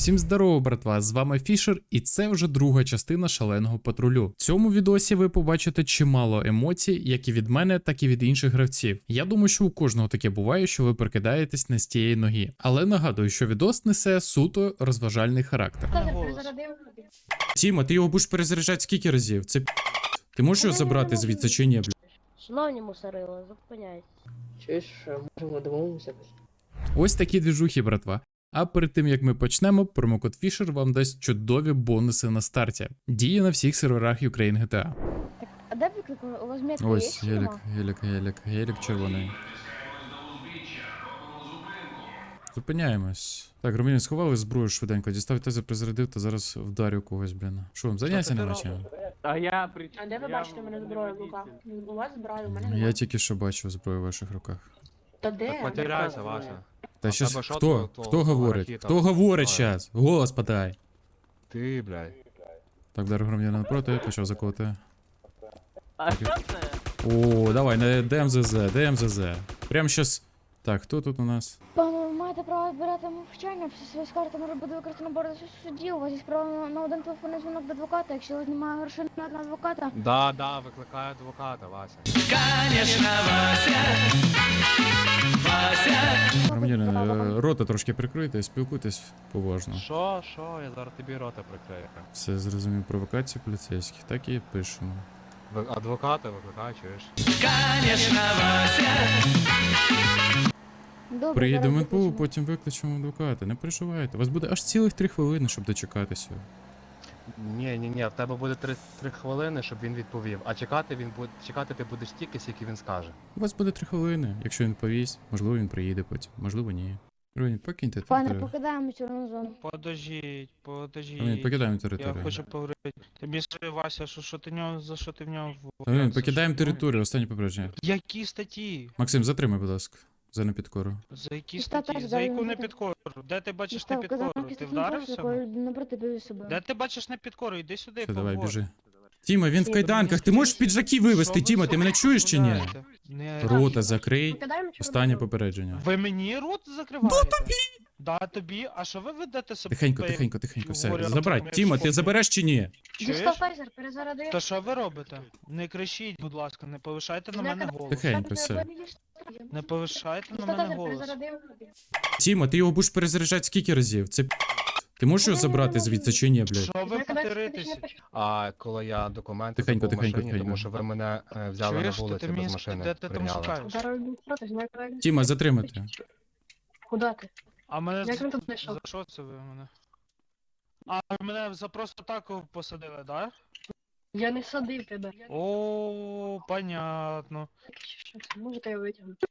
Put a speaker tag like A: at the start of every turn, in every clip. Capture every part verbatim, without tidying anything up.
A: Всім здорово, братва! З вами Фішер, і це вже друга частина шаленого патрулю. В цьому відосі ви побачите чимало емоцій, як і від мене, так і від інших гравців. Я думаю, що у кожного таке буває, що ви прикидаєтесь не з тієї ноги. Але нагадую, що відос несе суто розважальний характер. Тіма, ти його будеш перезаряджати скільки разів? Це п***. Ти можеш його забрати звідси чи ні, бля?
B: Шановні мусорила, зупиняйтесь.
C: Чуєш, можемо домовимося?
A: Ось такі двіжухи, братва. А перед тим як ми почнемо, промокод Fisher вам дасть чудові бонуси на старті. Діє на всіх серверах Ukraine джі ті ей.
B: Так, а де виклик? У вас метка
A: Ось,
B: є?
A: гелік, гелік, гелік, гелік червоний. Зупиняємось. Так, громадяни, сховали зброю швиденько, дістав тезер, призарядив та зараз вдарю когось, блін. Що вам, заняття нема чим?
D: А я при...
C: А де ви
D: я
C: бачите
D: в-
C: мене зброю в руках? У вас зброю, у мене
A: Я
C: немає.
A: тільки що бачив зброю в ваших руках.
C: Та де?
D: Так потеряйся, Вася.
A: Та
D: А
A: щас,
D: тебе що,
A: хто?
D: то- то-
A: Хто
D: то
A: говорить?
D: ракета
A: Хто говорить
D: впливає?
A: щас? Голос подай.
D: Ти, блядь.
A: Так, вдарив громадянина напроти, почав заколоти.
D: А що це?
A: О, давай, на ДМЗЗ, ДМЗЗ. Прям щас. Так, хто тут у нас?
B: Пане, ви маєте право відбирати мовчання, всі свої скарти може бути використано боротися в суді. У вас є право на один телефонний дзвінок до адвоката, якщо у вас немає грошей на одного адвоката.
D: Да, да, викликаю адвоката, Вася.
A: Громадянин, е, рота трошки прикрийте, спілкуйтесь поважно.
D: Що, що, я зараз тобі рота прикрию.
A: Все зрозумів, провокації поліцейських, так і пишемо.
D: Ви- Адвоката викликаю, чуєш?
B: Добре,
A: Приїдемо
B: зараз
A: в МПУ,
B: запишемо.
A: потім викличемо адвоката, не переживайте. У вас буде аж цілих три хвилини, щоб дочекатися.
D: Ні, ні, ні, в тебе буде три, три хвилини, щоб він відповів. А чекати він буде, чекати ти будеш стільки, скільки він скаже.
A: У вас буде три хвилини, якщо він повість, можливо він приїде потім, можливо ні. Ровін, покиньте
B: Пане,
A: територію.
B: покидаємо чорну зону.
E: Подождіть,
A: Ровін,
E: подождіть.
A: покидаємо
E: Я
A: територію.
E: хочу поговорити. Тобі скажи, Вася, що, що ти в нього, за що ти в нього в
A: Ровін,
E: за
A: покидаємо
E: що?
A: територію, останнє попередження.
E: Які статті?
A: Максим, затримай, будь ласка, за непідкору.
E: За які
B: Та теж
E: статті? За
B: далі
E: яку
B: не
E: не
B: буде.
E: підкору? Де ти бачиш
B: Дістав
E: не підкору?
B: казанки
E: Ти
B: з
E: вдарився?
B: якою напроти біля себе.
E: Де ти бачиш не підкору? Іди сюди,
A: Все, давай,
E: поговори.
A: біжи. Тіма, він в
B: Всі,
A: кайданках, ти
E: мені
A: можеш
E: скажіть,
A: піджаки
E: що
A: вивезти,
E: ви
A: Тіма, ти мене чуєш чи ні?
E: розмовляєте? Не-
A: Рота закрий,
C: Покидаємо чорну
A: останнє
C: зону?
A: попередження.
E: Ви мені рот закриваєте? Да, тобі! Да, тобі. А що ви ведете себе?
A: Тихенько,
E: як
A: тихенько, тихенько, все,
E: говорять,
A: забрать.
E: як
A: Тіма, ти
E: шоки?
A: забереш чи ні?
E: Чуєш?
C: Дістав тайзер, перезарядив.
E: Та що ви робите? Не кричіть, будь ласка, не повишайте на
C: Не
E: мене
C: кидай.
E: голос.
A: Тихенько, все.
E: Не повишайте на
C: Дістав
E: мене
C: тайзер,
E: голос.
C: перезарядив.
A: Тіма, ти його будеш перезаряджати скільки разів? Це п***. Ти можеш його забрати звідси чи ні, блядь?
E: Що ви потеритесь?
D: А коли я документи
A: Тихенько,
D: забув в
A: тихенько,
D: машині,
A: тихенько.
D: тому що ви мене е, взяли
E: Чуєш,
D: на
E: що
D: вулиці
E: ти мені
D: без
E: ск-
D: машини.
E: де ти там
D: прийняли.
E: шукаєш?
C: Зараз проти, знаю, куди.
A: Тіма, затримати.
C: Куди ти?
E: А мене
C: Як
E: за,
C: він тут знайшов?
E: за що це ви мене? А мене за просто так посадили, да?
C: Я не садив тебе.
E: О, понятно.
C: Що це? Можете я витягнути?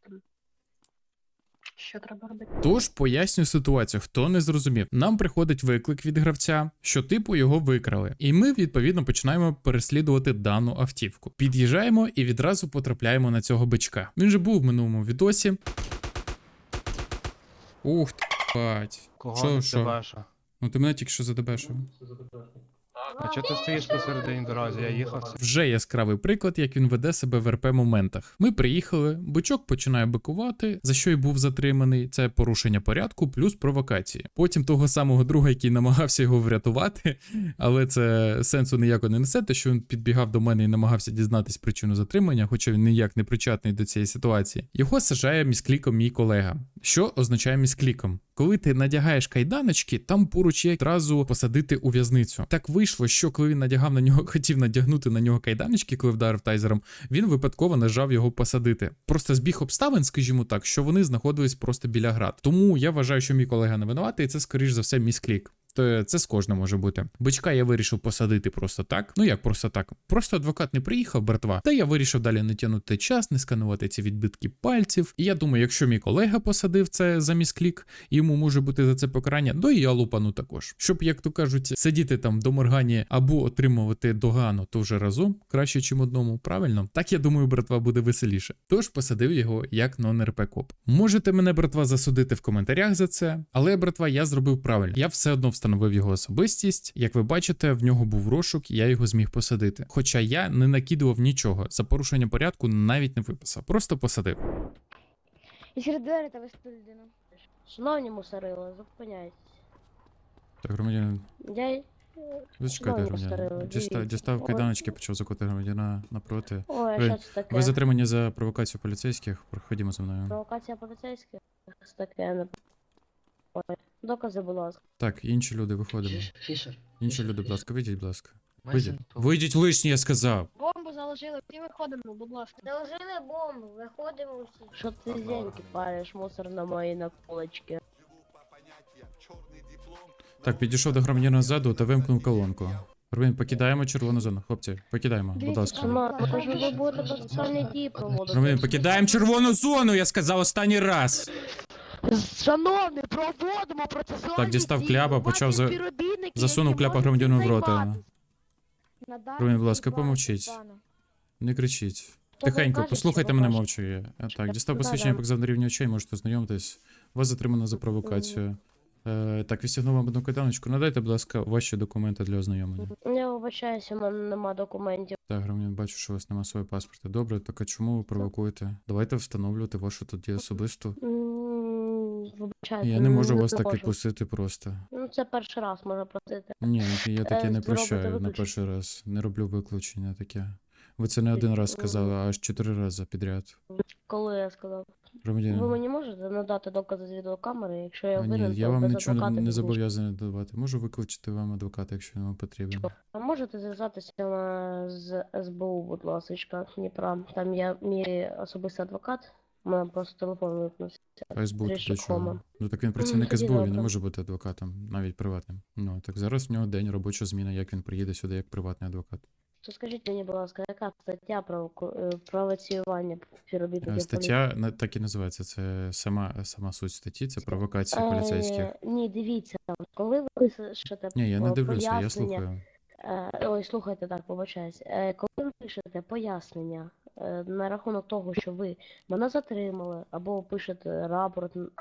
C: Що треба робити?
A: Тож поясню ситуацію, хто не зрозумів. Нам приходить виклик від гравця, що типу його викрали. І ми відповідно починаємо переслідувати дану автівку. Під'їжджаємо і відразу потрапляємо на цього бичка. Він же був в минулому відосі. Ух ти, бать.
D: Кого
A: Що,
D: ти
A: що?
D: баша?
A: Ну ти мене тільки що задебешив.
D: А чого ти стоїш посередині дорозі? Я їхав.
A: Вже яскравий приклад, як він веде себе в РП моментах. Ми приїхали, бичок починає бикувати, за що й був затриманий. Це порушення порядку плюс провокації. Потім того самого друга, який намагався його врятувати, але це сенсу ніяко не несе, те, що він підбігав до мене і намагався дізнатись причину затримання, хоча він ніяк не причетний до цієї ситуації. Його сажає міскліком мій колега. Що означає міскліком? Коли ти надягаєш кайданочки, там поруч є одразу посадити у в'язницю. Так вийшло, що коли він надягав на нього, хотів надягнути на нього кайданочки, коли вдарив тайзером, він випадково нажав його посадити. Просто збіг обставин, скажімо так, що вони знаходились просто біля град. Тому я вважаю, що мій колега не винуватий, і це скоріш за все місклік. То це з кожним може бути. Бичка я вирішив посадити просто так. Ну як просто так? Просто адвокат не приїхав, братва. Та я вирішив далі не тягнути час, не сканувати ці відбитки пальців. І я думаю, якщо мій колега посадив це за місклік, йому може бути за це покарання, то і я лупану також. Щоб, як то кажуть, сидіти там до моргані або отримувати догану, то вже разом краще, чим одному. Правильно? Так я думаю, братва, буде веселіше. Тож посадив його як нон-РП коп. Можете мене, братва, засудити в коментарях за це, але, братва, я зробив правильно. Я все одно встановив його особистість. Як ви бачите, в нього був розшук, я його зміг посадити. Хоча я не накидував нічого, за порушення порядку навіть не виписав. Просто посадив.
B: І через двері та вести людину. Шановні мусорила, зупиняйтесь.
A: Так, громадянин.
F: Я й-
A: Зачекайте,
F: Знову
A: громадянин.
F: старили,
A: Дістав,
F: дивіться.
A: дістав
F: Ой.
A: кайданочки, почав закути громадяна напроти.
F: Ой,
A: Ви-
F: що це таке?
A: Ви затримані за провокацію поліцейських. Проходімо за мною.
F: Провокація поліцейських? Що це таке? Не... Ой, докази, будь ласка.
A: Так, інші люди виходимо.
G: Фішер.
A: Інші люди, будь ласка, вийдіть, будь ласка.
G: Мейсон,
A: Вийдіть. Вийдіть лишні, я сказав.
C: Бомбу заложили, всі виходимо, будь ласка.
B: Заложили бомбу, виходимо всі.
F: Що ти зеньки париш, мусор на моїй наколочці?
A: Так, підійшов до громадянина ззаду та вимкнув колонку. Громадянин, покидаємо червону зону. Хлопці, покидаємо, будь ласка.
F: Шановні, ви ж ви будете процесуальні дії проводити.
A: Громадянин, покидаємо червону зону, я сказав останній раз.
F: Шановні, проводимо процесуальні
A: Так, дістав
F: дії.
A: кляпа,
F: У вас
A: почав
F: є
A: за-
F: співробітники,
A: Засунув
F: які
A: кляпа
F: можуть
A: громадянину в
F: цим
A: рота.
F: займатися.
A: Ромін, будь ласка, помовчіть. Не кричіть.
F: Хто ви
A: Тихенько,
F: кажете,
A: послухайте
F: що ви
A: мене
F: кажете?
A: мовчки. А, Так, дістав
F: Да-да.
A: посвідчення показав на рівні очей, можете ознайомитись. Вас затримано за провокацію. Е, так, відстягнув вам одну кайданочку. Надайте, будь ласка, ваші документи для ознайомлення.
F: Я вибачаюся, у мене нема документів.
A: Так, громадян, бачу, що у вас немає свого паспорта. Добре, так а чому ви провокуєте? Давайте встановлювати вашу тоді особисту.
F: М, Вибачайте.
A: Я не можу вас так
F: можу.
A: відпустити просто.
F: Ну, це перший раз можна просити.
A: Ні, я таке
F: Е,
A: не
F: зробите
A: прощаю на
F: виключення.
A: перший раз. Не роблю виключення таке. Ви це не один раз сказали, а аж чотири рази підряд.
F: Коли я сказав.
A: Громадянин.
F: Ви мені можете надати докази з відеокамери, якщо я
A: А,
F: винен,
A: ні, я
F: то
A: вам
F: без
A: нічого
F: адвоката
A: не
F: без нічого.
A: зобов'язаний давати. Можу викличити вам адвоката, якщо вам потрібен.
F: А можете зв'язатися на- з ес бе у, будь ласка, Дніпра. Там є мій особистий адвокат. У мене просто телефон випнувся.
A: А СБУ тут до
F: Трішки
A: чого?
F: кома.
A: Ну так він працівник
F: тоді
A: СБУ, він не
F: добре.
A: може бути адвокатом, навіть приватним. Ну так зараз в нього день робоча зміна, як він приїде сюди як приватний адвокат.
F: То скажіть мені, будь ласка, яка стаття провоку- е, провоціювання
A: Е,
F: співробітників
A: Стаття на- так і називається. Це сама сама суть статті, це провокація
F: поліції?
A: поліцейських.
F: Е, Ні, дивіться, коли ви пишете
A: Ні, я не
F: е,
A: дивлюся, я
F: пояснення,
A: слухаю.
F: Е, Ой, слухайте, так, побачаюсь. Е, Коли ви пишете пояснення е, на рахунок того, що ви мене затримали, або пишете рапорт. н-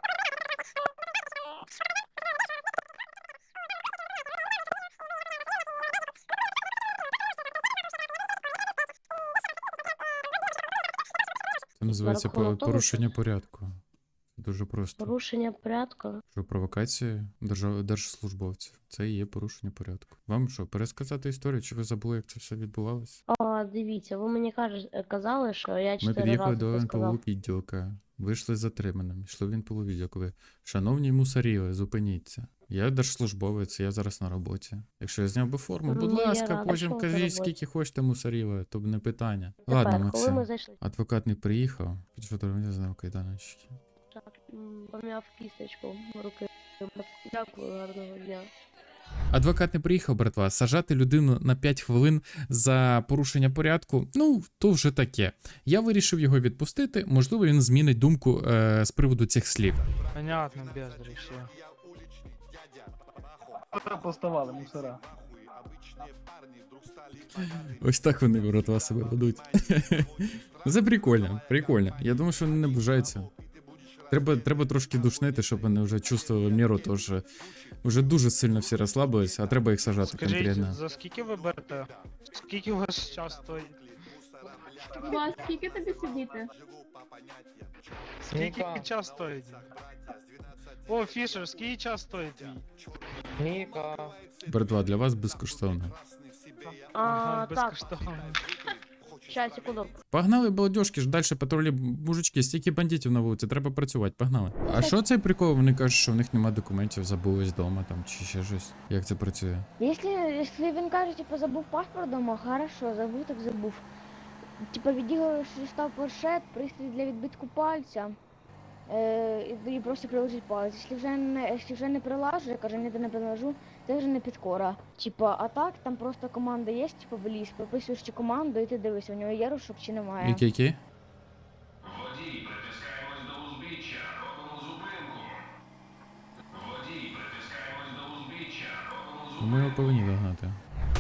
A: Це називається
F: рахунок
A: по-
F: того,
A: порушення порядку. Дуже просто.
F: Порушення порядку.
A: Що провокація держав... держслужбовців. Це і є порушення порядку. Вам що, пересказати історію, чи ви забули, як це все відбувалося?
F: А, дивіться, ви мені каже, казали, що я
A: Ми
F: чотири
A: під'їхали
F: рази
A: до
F: це
A: ен пе у
F: сказав.
A: відділка, вийшли затриманим, йшли в ен пе у відділку. Ви, шановні мусоріли, зупиніться. Я держслужбовець, я зараз на роботі. Якщо я зняв би форму, будь
F: Ну, я
A: ласка,
F: рада,
A: потім
F: що ви на
A: кажіть,
F: роботі.
A: скільки хочете мусоріли, то б не питання.
F: Тепер,
A: Ладно,
F: коли
A: Максим,
F: ми зайшли,
A: адвокат не приїхав, підійшов до мене, знав кайданочки.
F: так, м, пом'яв кісточку руки. Дякую, гарного дня.
A: Адвокат не приїхав, братва. Сажати людину на п'ять хвилин за порушення порядку, ну, то вже таке. Я вирішив його відпустити, можливо, він змінить думку е, з приводу цих слів.
E: Понятно, бездарі, все.
H: Поставали мусора.
A: Ось так вони, братва, себе ведуть. Це прикольно, прикольно. Я думаю, що вони не бажаються. Треба, треба трошки душнити, щоб вони вже чувствували міру, тож вже дуже сильно всі розслабились, а треба їх сажати
E: Скажіть,
A: конкретно.
E: за скільки ви берете? Скільки у вас час стоїть?
I: Вас скільки тобі сидіти?
E: Скільки час стоїть? О, Фішер, скільки час стоїть твій?
G: Ніка.
A: Братва, для вас безкоштовно.
F: А,
E: Ага,
F: так,
E: безкоштовно.
F: щас, секунду.
A: Погнали, балдежки ж далі патрулі, мужички, стільки бандитів на вулиці, треба працювати, погнали. А що цей прикол? Вони кажуть, що в них немає документів, забулись вдома там чи ще щось. Як це працює?
B: Якщо, якщо він каже, типу, забув паспорт дома, хорошо, забув, так забув. Типа відділиш став планшет, пристрій для відбитку пальця. Е, і тоді просто приложить палець. Якщо вже не, якщо вже не прилажу, я кажу, ніде не приложу, це вже не підкора. Типа, а так, там просто команда є, типу, в ліс, прописуєш цю команду і ти дивишся, у нього є розшук чи немає.
A: Які які?
J: Водій, притискаємось до узбіччя, робимо зупинку. Водій, притискаємось до узбіччя, робимо
A: Ну,
J: зупинку.
A: ми його повинні догнати.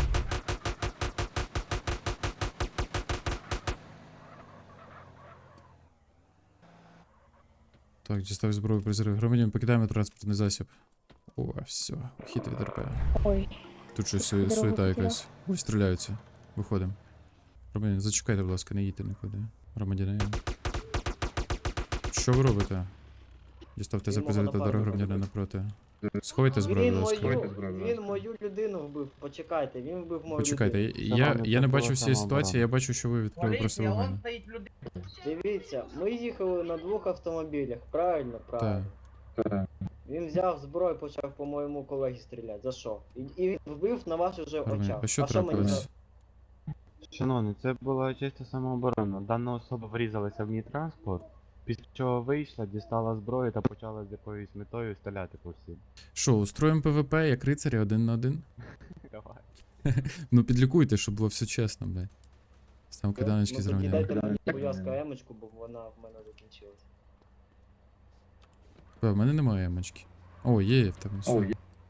A: Так, дістав зброю призрив. Громадян, покидаємо транспортний засіб. О, все, хід від РП.
B: Ой.
A: Тут щось су-
B: Дорогу
A: суета
B: потеряв.
A: якась. Ой, стріляються. Виходимо. Громадян, зачекайте, будь ласка, не їдьте нікуди. Громадянин. Що ви робите? Дістав те
H: Він
A: запозорити
H: мого
A: дорогу
H: напарника
A: громадянина
H: любить.
A: напроти. Сховайте зброю,
G: Він
A: будь ласка.
G: мою, він мою людину вбив. Почекайте, він вбив мою
A: Почекайте,
G: людину.
A: я, я, я не бачу всієї ситуації, я бачу, що ви відкрили просто вогонь.
G: Дивіться, ми їхали на двох автомобілях, правильно? Правильно. Він взяв зброю, почав по моєму колегі стріляти. За що? І, і він вбив на ваших же
A: Армія,
G: очах.
A: а що
G: мені
A: трапилось?
G: за-
K: Шановний, це була чисто самооборона. Дана особа врізалася в мій транспорт, після чого вийшла, дістала зброю та почала з якоюсь метою стріляти по всім.
A: Що, устроїмо ПВП як рицарі один на один?
K: Давай.
A: Ну підлікуйте, щоб було все чесно, блядь. Став киданочки
G: Ну, тоді
A: зрівняли.
G: дайте мені, будь ласка, емочку, бо вона в мене закінчилась.
A: В мене немає емочки. О, є в тебе. Все.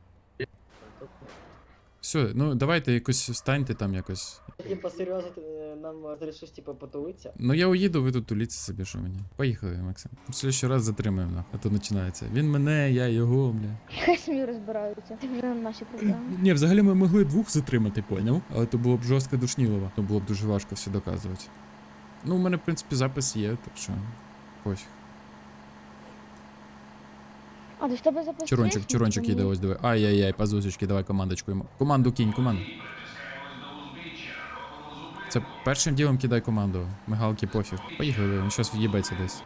A: Все, ну давайте якось встаньте там якось.
G: Типа, серйозно, ти, е, нам розрішиш, типа, потулитися?
A: Ну я уїду, ви тут туліться собі, що мені. Поїхали, Максим. В следующий раз затримаємо, нахуй, а то починається. Він мене, я його, бля.
B: Хай самі розбираються. Це вже наші проблеми.
A: Ні, взагалі ми могли двох затримати, поняв? Але то було б жорстко душнілово. То було б дуже важко все доказувати. Ну, у мене, в принципі, запис є, так що пофіг.
B: А, то в тебе запустив?
A: Чурончик, чурончик їде, ось диви. Ай-яй-яй, пазусечки, давай командочку йому. Команду кинь, команду. Це першим ділом кидай команду. Мигалки пофіг. Поїхали, він щас в'їбеться десь.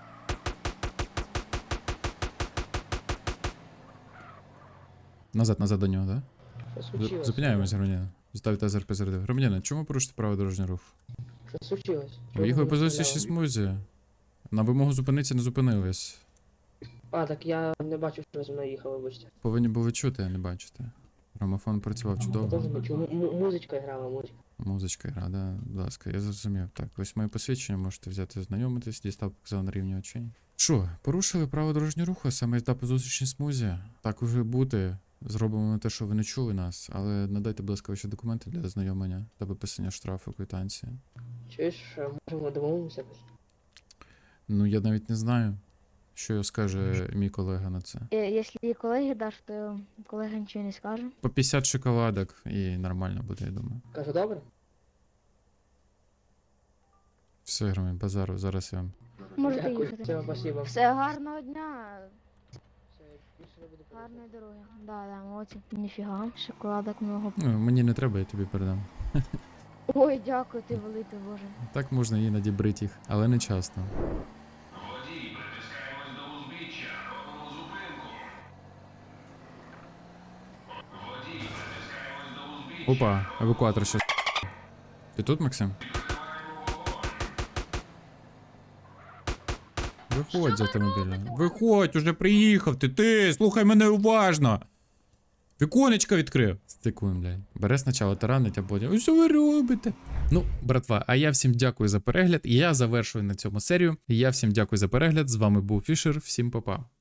A: Назад, назад до нього, так? Да? Зупиняємось, громадянин. Ставте АЗРП зарядив. Громадянин, чому порушити право дорожнього руху?
G: Що случилось?
A: Ви їхали по зустрічній смузі. На вимогу зупинитися не зупинились.
G: А, так я не бачу, що ви зі мною їхали, вибачте.
A: Повинні були чути, а не бачити. Грамофон працював чудово.
G: Музичка грала, музичка.
A: Музичка гра, да, будь ласка, я зрозумів. Так, ось моє посвідчення, можете взяти, знайомитись, дістав показав на рівні очей. Що, порушили право дорожнього руху, саме їзда по зустрічній смузі? Так уже бути. Зробимо ми те, що ви не чули нас, але надайте, будь ласка, ваші документи для ознайомлення та виписання штрафу, квитанції.
G: Чуєш, можемо домовимося?
A: Ну, я навіть не знаю, що скаже мій колега на це.
B: Е, Якщо її колеги даш, то колега нічого не скаже.
A: По п'ятдесят шоколадок і нормально буде, я думаю.
G: Кажу, добре?
A: Все, громі, базару, зараз я вам.
B: Можете їхати.
G: Все, спасибо.
B: Все, гарного дня. Гарної дороги. Да, да, молодці. Ніфіга, шоколадок много.
A: Ну, мені не треба, я тобі передам.
B: Ой, дякую, ти великий, боже.
A: Так можна іноді брити їх, але не часто.
J: Водій, притискаємось до узбіччя, робимо зупинку. Водій, притискаємось до узбіччя.
A: Опа, евакуатор щас. Ти тут, Максим? Виходь з автомобіля. Виходь, уже приїхав ти, ти, слухай мене уважно. Віконечко відкрив. Стикуємо, блядь. Бере спочатку таранить, а потім. «Ой, що ви робите? Ну, братва, а я всім дякую за перегляд. Я завершую на цьому серію. Я всім дякую за перегляд. З вами був Фішер. Всім па-па.